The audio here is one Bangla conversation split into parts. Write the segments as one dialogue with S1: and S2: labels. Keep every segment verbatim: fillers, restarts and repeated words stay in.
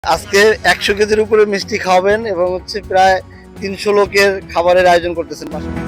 S1: আজকে একশো কেজির উপরে মিষ্টি খাওয়াবেন এবং হচ্ছে প্রায় তিনশো লোকের খাবারের আয়োজন করতেছেন।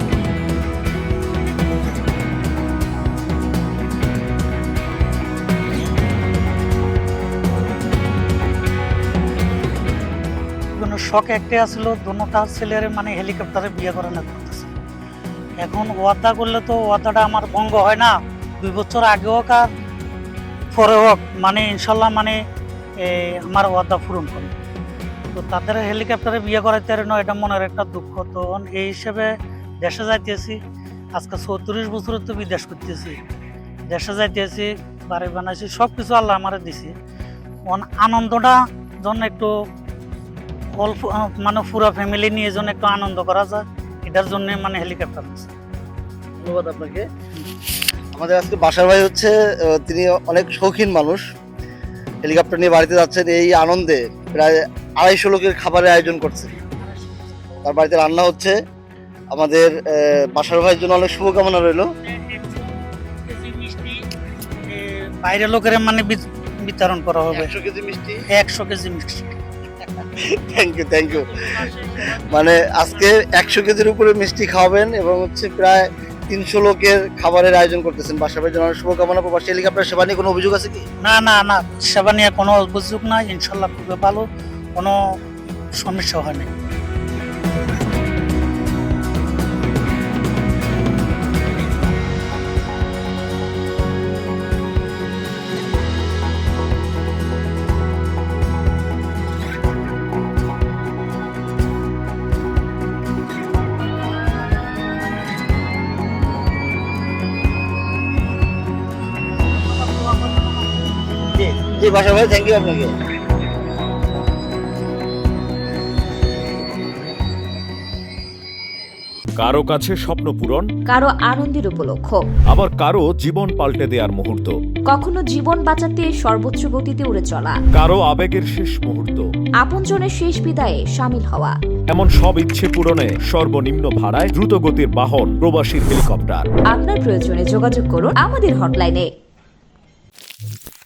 S2: কোনো শখ একটাই আসলো, দোনোটা ছেলের মানে হেলিকপ্টারে বিয়ে করে না করতেছে। এখন ওয়াদা করলে তো ওয়াদাটা আমার ভঙ্গ হয় না। দুই বছর আগে হোক আর পরে হোক, মানে ইনশাল্লাহ মানে আমার ওয়াদা পূরণ করে। তো তাদের হেলিকপ্টারে বিয়ে করাইতে না, এটা মনের একটা দুঃখ। তো এই হিসেবে দেশে যাইতেছি। আজকে চৌত্রিশ বছর তো বিদেশ করতেছি, দেশে যাইতেছি, বাড়ি বানাইছি, সব কিছু আল্লাহ আমারে দিছি। আনন্দটা জন্য একটু অল্প মানে পুরো ফ্যামিলি নিয়ে যেন একটু আনন্দ করা যায়, এটার জন্য মানে হেলিকপ্টার আছে।
S1: ধন্যবাদ আপনাকে। আমাদের আজকে বাসার ভাই হচ্ছে, তিনি অনেক শৌখিন মানুষ, হেলিকপ্টার নিয়ে বাড়িতে যাচ্ছেন। এই আনন্দে প্রায় আড়াইশো লোকের খাবারের আয়োজন করছে, তার বাড়িতে রান্না হচ্ছে। আমাদের বাসার ভাইয়ের জন্য অনেক শুভকামনা রইল।
S2: বাইরের লোকের মানে বিতরণ করা হবে
S1: একশো কেজি মিষ্টি
S2: একশো কেজি মিষ্টি
S1: থ্যাংক ইউ থ্যাংক ইউ মানে আজকে একশো কেজির উপরে মিষ্টি খাওয়াবেন এবং হচ্ছে প্রায় তিনশো লোকের খাবারের আয়োজন করতেছেন। বাসার ভাইয়ের জন্য শুভকামনা। প্রবাসী হেলিকপ্টার সেবা নিয়ে কোনো অভিযোগ আছে কি?
S2: না না না, সেবা নিয়ে কোনো অভিযোগ নাই, ইনশাল্লাহ খুবই ভালো, কোনো সমস্যা হয়নি।
S1: জি বাসার ভাই, থ্যাংক ইউ আপনাকে।
S3: কারো কাছে স্বপ্ন পূরণ,
S4: কারো আনন্দের উপলক্ষ,
S3: আবার কারো জীবন পাল্টে দেওয়ার মুহূর্ত,
S4: কখনো জীবন বাঁচাতে সর্বোচ্চ গতিতে উড়ে চলা,
S3: কারো আবেগের শেষ মুহূর্ত,
S4: আপনজনের শেষ বিদায়ে সামিল হওয়া,
S3: এমন সব ইচ্ছে পূরণে সর্বনিম্ন ভাড়ায় দ্রুত গতির বাহন প্রবাসীর হেলিকপ্টার।
S4: আপনার প্রয়োজনে যোগাযোগ করুন আমাদের হটলাইনে।